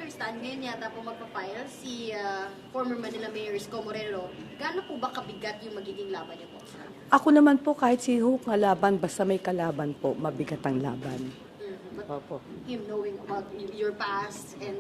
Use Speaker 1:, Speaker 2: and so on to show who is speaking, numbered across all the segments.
Speaker 1: understand, ngayon yata po magpa-file si former Manila Mayor Isko Moreno. Gaano po ba kabigat yung magiging laban niyo po sa kanya?
Speaker 2: Ako naman po, kahit si Hook nga laban, basta may kalaban po, mabigat ang laban.
Speaker 1: But
Speaker 2: Opo.
Speaker 1: him knowing about your past and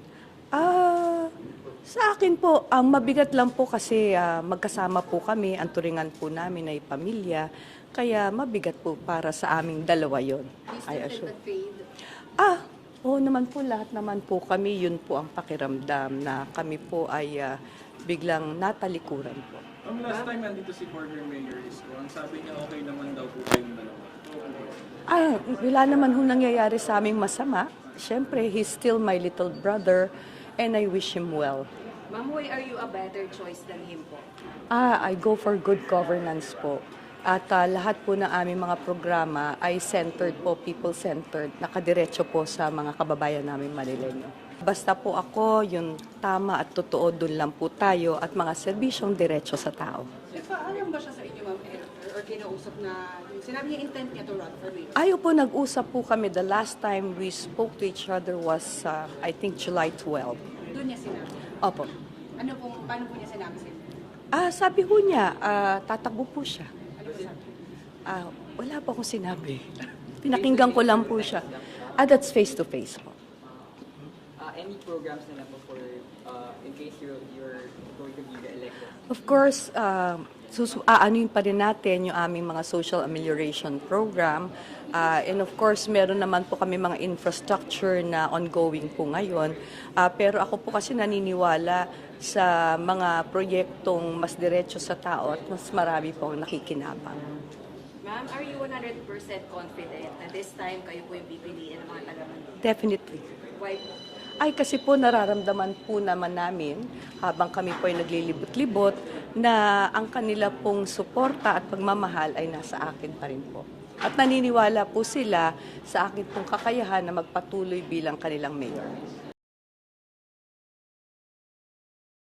Speaker 2: Sa akin po, ang mabigat lang po kasi magkasama po kami, ang turingan po namin ay pamilya, kaya mabigat po para sa aming dalawa yon.
Speaker 1: you
Speaker 2: I
Speaker 1: still
Speaker 2: assure.
Speaker 1: feel that fade?
Speaker 2: Oo naman po, lahat naman po kami, yun po ang pakiramdam na kami po ay biglang natalikuran po.
Speaker 3: Last time nandito si former Mayor Isko, ang sabi niya okay naman daw po kayong dalawa.
Speaker 2: Wala naman ho nangyayari sa aming masama. Siyempre, he's still my little brother and I wish him well.
Speaker 4: Ma'am, why are you a better choice than him po?
Speaker 2: I go for good governance po. At lahat po ng aming mga programa ay centered po, people-centered, nakadiretso po sa mga kababayan namin Manileño. Basta po ako, yung tama at totoo, dun lang po tayo at mga serbisyong diretso sa tao.
Speaker 4: Alam ba siya sa inyo, ma'am, or kinausap na, sinabi niya intent niya to run for mayor?
Speaker 2: Ayaw po, nag-usap po kami. The last time we spoke to each other was, I think, July 12.
Speaker 4: Doon niya sinabi.
Speaker 2: Opo.
Speaker 4: Paano po niya sinabi sa inyo?
Speaker 2: Sabi po niya, tatakbo po siya.
Speaker 4: Ano po sabi?
Speaker 2: Wala po akong sinabi. Pinakinggan ko lang po siya. That's face-to-face po.
Speaker 5: Any programs na po for in case you're going to be re-elected?
Speaker 2: Of course, aanuin pa rin natin yung aming mga social amelioration program. And of course, meron naman po kami mga infrastructure na ongoing po ngayon. Pero ako po kasi naniniwala sa mga proyektong mas diretso sa tao at mas marami pong nakikinabang.
Speaker 4: Ma'am, are you 100% confident na this time kayo po yung pipiliin ng mga taga-Manila?
Speaker 2: Definitely.
Speaker 4: Why po?
Speaker 2: Ay kasi po nararamdaman po naman namin habang kami po ay naglilibot-libot na ang kanila pong suporta at pagmamahal ay nasa akin pa rin po. At naniniwala po sila sa akin pong kakayahan na magpatuloy bilang kanilang mayor.